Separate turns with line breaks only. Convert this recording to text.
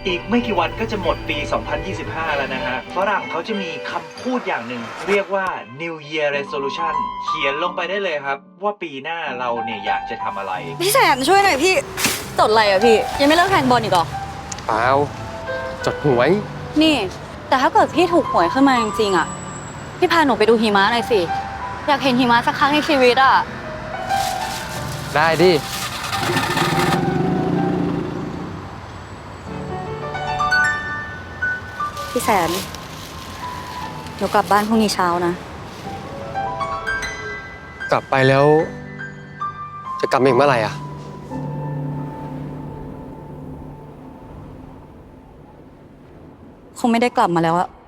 อีกไม่กี่วันก็จะหมดปี 2025 แล้วนะฮะฝรั่งเขาจะมีคำพูดอย่างหนึ่งเรียกว่า New Year Resolution เขียนลงไปได้เลยครับว่าปีหน้าเราเนี่ยอยากจะทำอะไร
พี่แสนช่วยหน่อยพี่จดอะไรอะพี่ยังไม่เลิกแทงบอลอีกเหรอ
เปล่าจดหวย
นี่ แต่ถ้าเกิดพี่ถูกหวยขึ้นมาจริงๆอะพี่พาหนูไปดูหิมะหน่อยสิอยากเห็นหิมะสักครั้งในชีวิตอะ
ได้ดิ
พี่แสนหนูกลับบ้านพรุ่งนี้เช้านะ
กลับไปแล้ว จะกลับมาอีกเมื่อไหร่อ่ะ
คงไม่ได้กลับมาแล้วอะ